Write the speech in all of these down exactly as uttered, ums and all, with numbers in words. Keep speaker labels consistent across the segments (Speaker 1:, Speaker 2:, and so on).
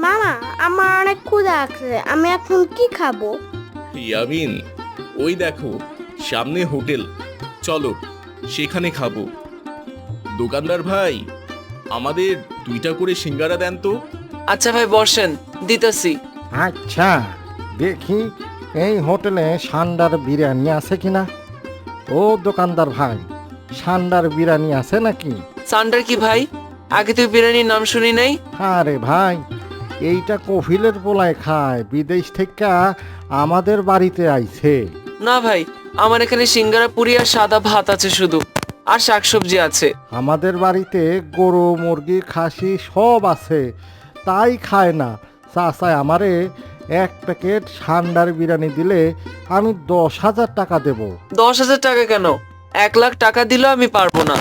Speaker 1: মামা, আমার অনেক ক্ষুধা আছে, আমি এখন কি খাবো?
Speaker 2: ইয়ামিন, ওই দেখো সামনে হোটেল, চলো সেখানে খাবো। দোকানদার ভাই, আমাদের দুইটা করে সিঙ্গারা দেন তো।
Speaker 3: আচ্ছা ভাই বসেন, দিতেছি।
Speaker 4: আচ্ছা, দেখি এই হোটেলে সান্ডার বিরিয়ানি আছে কিনা। ও দোকানদার ভাই, সান্ডার বিরিয়ানি আছে নাকি?
Speaker 3: সান্ডার কি ভাই? আগে তো বিরিয়ানির নাম শুনি নাই।
Speaker 4: আরে ভাই, এইটা কফিলের পোলায় খায়, বিদেশ থেকে আমাদের বাড়িতে আইছে।
Speaker 3: না ভাই, আমার এখানে সিঙ্গারা পুরি আর সাদা ভাত আছে শুধু, আর শাকসবজি আছে।
Speaker 4: আমাদের বাড়িতে গরু মুরগি খাসি সব আছে, তাই খায় না। চাচায় আমারে এক প্যাকেট সান্ডার বিরিয়ানি দিলে আমি দশ হাজার টাকা দেব।
Speaker 3: দশ হাজার টাকা কেন? এক লাখ টাকা দিলেও আমি পারবো না।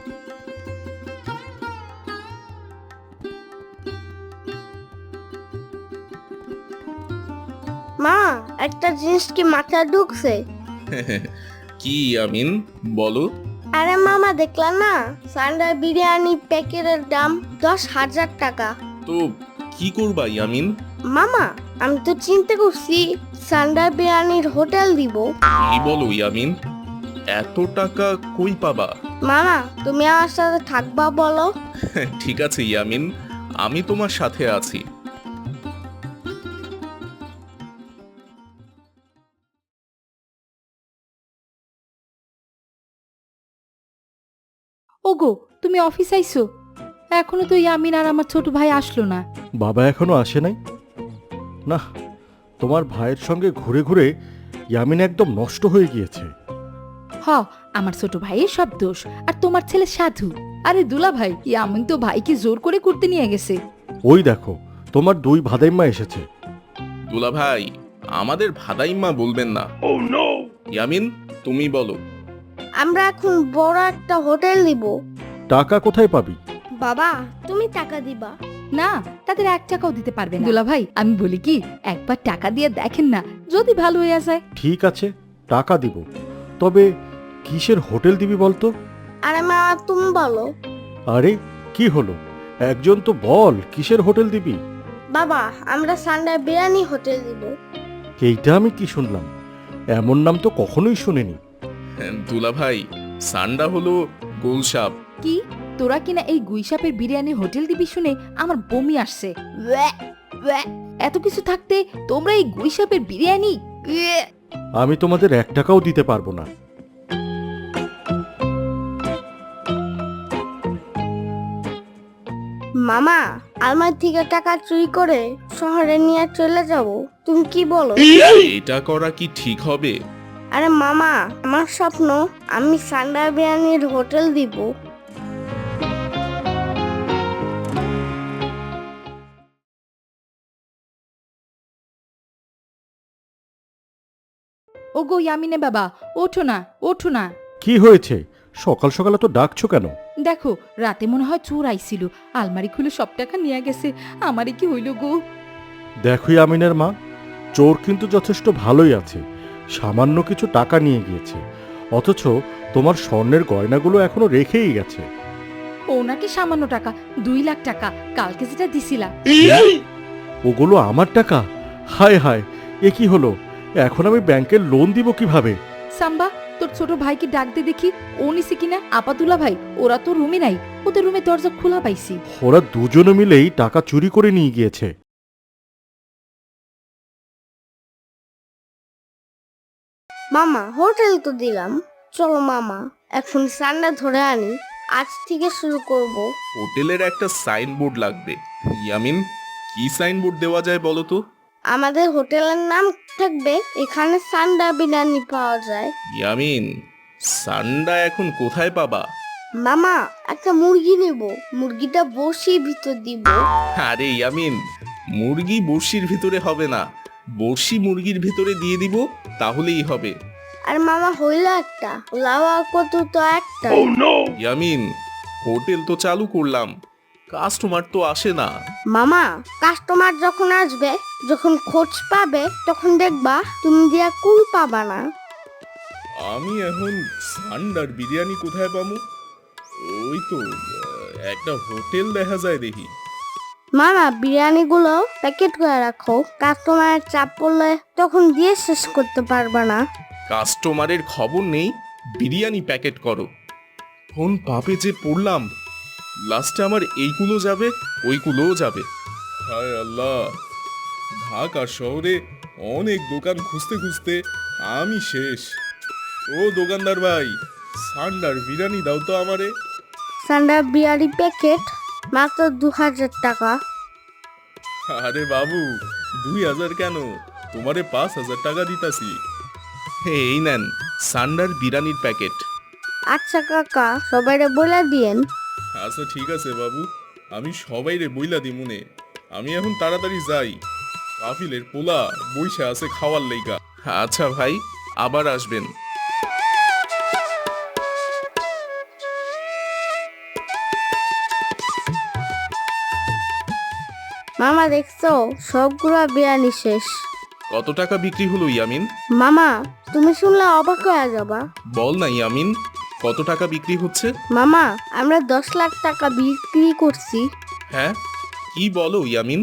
Speaker 1: মা, একটা জিনিস কি মাথায় ঢুকছে?
Speaker 2: কি ইয়ামিন, বলো।
Speaker 1: আরে মামা, দেখলাম না সান্ডার বিরিয়ানি প্যাকেটের দাম দশ হাজার টাকা।
Speaker 2: তো কি করবা ইয়ামিন?
Speaker 1: মামা, আমি তো চিন্তা করছি সান্ডার বিরিয়ানির হোটেল দিব।
Speaker 2: কি বলো ইয়ামিন, এত টাকা কই পাবা?
Speaker 1: মামা, তুমি আমার সাথে থাকবা বলো?
Speaker 2: ঠিক আছে ইয়ামিন, আমি তোমার সাথে আছি।
Speaker 5: ওগো, তুমি অফিস আইছো? এখনো তো ইয়ামিন আর আমার ছোট ভাই আসলো না।
Speaker 4: বাবা এখনো আসে নাই? না, তোমার ভাইয়ের সঙ্গে ঘুরে ঘুরে ইয়ামিন একদম নষ্ট হয়ে গিয়েছে।
Speaker 5: হ, আমার ছোট ভাইয়ের সব দোষ, আর তোমার ছেলে সাধু। আরে দুলা ভাই, ইয়ামিন তো ভাইকে জোর করে করতে নিয়ে গেছে।
Speaker 4: ওই দেখো, তোমার দুই ভাদাইম্মা এসেছে।
Speaker 2: দুলা ভাই, আমাদের ভাদাইম্মা বলবেন না। ইয়ামিন, তুমি বলো।
Speaker 1: আমরা এখন বড় একটা হোটেল দিব।
Speaker 4: টাকা কোথায় পাবি?
Speaker 1: বাবা, তুমি টাকা দিবা?
Speaker 5: না, তাদের এক টাকাও দিতে পারবে না। দুলা ভাই, আমি বলি কি, একবার টাকা দিয়ে দেখেন না, যদি ভালো হয়ে যায়।
Speaker 4: ঠিক আছে, টাকা দিব, তবে কিসের হোটেল দিবি বলতো?
Speaker 1: আরে মামা, তুমি বলো।
Speaker 4: আরে কি হলো, একজন তো বল কিসের হোটেল দিবি।
Speaker 1: বাবা, আমরা সান্ডার বিরিয়ানি হোটেল দিব।
Speaker 4: এইটা আমি কি শুনলাম, এমন নাম তো কখনোই শুনিনি।
Speaker 2: দুলা ভাই, সান্ডা হলো গোলসাপ।
Speaker 5: কি, তোরা কিনা এই গুইসাপের বিরিয়ানি হোটেল দিবি শুনে আমার বমি আসছে। ওয়াক, ওয়াক। এত কিছু থাকতে তোমরা এই গুইসাপের বিরিয়ানি? উয়ে।
Speaker 4: আমি তোমাদের এক টাকাও দিতে পারবো না।
Speaker 1: মামা, আলমারি থেকে টাকা চুরি করে শহরে নিয়ে চলে যাব, তুমি কি বলো?
Speaker 2: এটা করা কি ঠিক হবে?
Speaker 1: আরে মামা, আমার স্বপ্ন আমি সান্ডার বিরিয়ানির হোটেল দিব।
Speaker 5: ওগো ইয়ামিনে বাবা, ওঠো না, ওঠো না।
Speaker 4: কি হয়েছে, সকাল সকালে তো ডাকছো কেন?
Speaker 5: দেখো, রাতে মনে হয় চোর আইছিল, আলমারি খুলে সব টাকা নিয়ে গেছে। আমারে কি হইল গো?
Speaker 4: দেখো আমিনের মা, চোর কিন্তু যথেষ্ট ভালোই আছে, সামান্য কিছু টাকা নিয়ে গিয়েছে, অথচ তোমার স্বর্ণের গয়নাগুলো এখনো রেখেই গেছে।
Speaker 5: ও নাকি সামান্য টাকা, দুই লাখ টাকা কালকে যেটা দিছিলা।
Speaker 4: ওগুলো আমার টাকা? হায় হায়, এ কি হলো, এখন আমি ব্যাংকের লোন দিব কিভাবে?
Speaker 5: সাম্বা, তোর ছোট ভাইকে ডাক দে দেখি, ও নিছে কিনা। আপাতুলা ভাই, ওরা তো রুমে নাই, ওদের রুমে দরজা খোলা পাইছি।
Speaker 4: ওরা দুজনে মিলেই টাকা চুরি করে নিয়ে গিয়েছে।
Speaker 1: মামা, হোটেল তো দিলাম, চলো মামা এখন সান্ডা ধরে আনি, আজ থেকে শুরু করব।
Speaker 2: হোটেলের একটা সাইনবোর্ড লাগবে। ইয়ামিন, কি সাইনবোর্ড দেওয়া যায় বলো তো?
Speaker 1: আমাদের হোটেলের নাম থাকবে এখানে সান্ডা বিরিয়ানি পাওয়া যায়।
Speaker 2: ইয়ামিন, সান্ডা এখন কোথায় পাবা?
Speaker 1: মামা, একটা মুরগি নেব, মুরগিটা বসির ভিতর দিব।
Speaker 2: আরে ইয়ামিন, মুরগি বড়শির ভিতরে হবে না, বড়শি মুরগির ভিতরে দিয়ে দিব, তাহলেই হবে।
Speaker 1: আর মামা, হইল একটা, লাওয়া কত তো একটা।
Speaker 2: ইয়ামিন, হোটেল তো চালু করলাম, কাস্টমার তো আসে না।
Speaker 1: মামা, কাস্টমার যখন আসবে, যখন খোঁজ পাবে, তখন দেখবা তুমি দিয়া কুল পাবা না।
Speaker 2: আমি এখন সান্ডার বিরিয়ানি কোথায় পাবো? ওই তো আহ, একটা হোটেল দেখা যায় দেখি।
Speaker 1: মামা বিরিয়ানিগুলো প্যাকেট করে রাখো, কাস্টমারের চাপ পড়লে তখন দিয়ে শেষ করতে পারবে না।
Speaker 2: কাস্টমারের খবর নেই, বিরিয়ানি প্যাকেট করো। কোন পাপে যে পড়লাম, লাস্টে আমার এইগুলো যাবে, ওইগুলোও যাবে। হায় আল্লাহ, ঢাকা শহরে অনেক দোকান খুঁজতে খুঁজতে আমি শেষ। ও দোকানদার ভাই, সান্ডার বিরিয়ানি দাও তো আমারে।
Speaker 1: সান্ডা বিরিয়ানি প্যাকেট মাত্র দু হাজার টাকা।
Speaker 2: আরে বাবু, দুই হাজার কেন, তোমারে পাঁচ হাজার টাকা দিতাছি। এই নেন সান্ডার বিরিয়ানির প্যাকেট।
Speaker 1: আচ্ছা কাকা, সবাইরে বলে দিয়েন।
Speaker 2: আচ্ছা ঠিক আছে বাবু, আমি সবাইরে বইলা দিমুনে। আমি এখন তাড়াতাড়ি যাই, কাফিলের পোলা বইসা আছে খাওয়ার লাইগা। আচ্ছা ভাই, আবার আসবেন।
Speaker 1: মামা দেখছো, সবগুলো বিরিয়ানি শেষ।
Speaker 2: কত টাকা বিক্রি হলো ইয়ামিন?
Speaker 1: মামা তুমি শুনলে অবাক হয়ে যাবা।
Speaker 2: বল না ইয়ামিন, কত টাকা বিক্রি হচ্ছে?
Speaker 1: মামা আমরা দশ লাখ টাকা বিক্রি করছি।
Speaker 2: হ্যাঁ, কি বলো ইয়ামিন?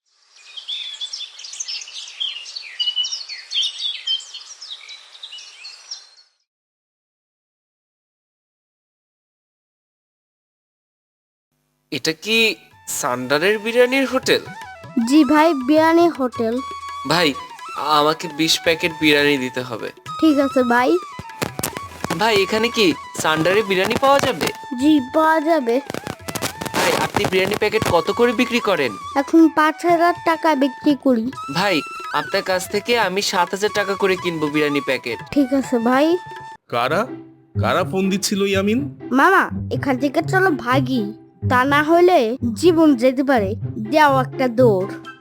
Speaker 3: এটা কি সান্ডারের বিরিয়ানির হোটেল?
Speaker 1: জি ভাই, বিরিয়ানি হোটেল।
Speaker 3: ভাই, আমাকে বিশ প্যাকেট বিরিয়ানি দিতে হবে।
Speaker 1: ঠিক আছে ভাই।
Speaker 3: ভাই, এখানে কি সান্ডারের বিরিয়ানি পাওয়া যাবে?
Speaker 1: জি পাওয়া যাবে।
Speaker 3: ভাই, আপনি বিরিয়ানি প্যাকেট কত করে বিক্রি করেন?
Speaker 1: এখন পাঁচ হাজার টাকা বিক্রি করি।
Speaker 3: ভাই, আপনার কাছ থেকে আমি সাত হাজার টাকা করে কিনবো বিরিয়ানি প্যাকেট।
Speaker 1: ঠিক আছে ভাই।
Speaker 2: কারা কারা ফোন দিচ্ছিল ইয়ামিন?
Speaker 1: মামা এখান থেকে চলো ভাগি, তা না হলে জীবন যেতে পারে। দেও একটা দৌড়।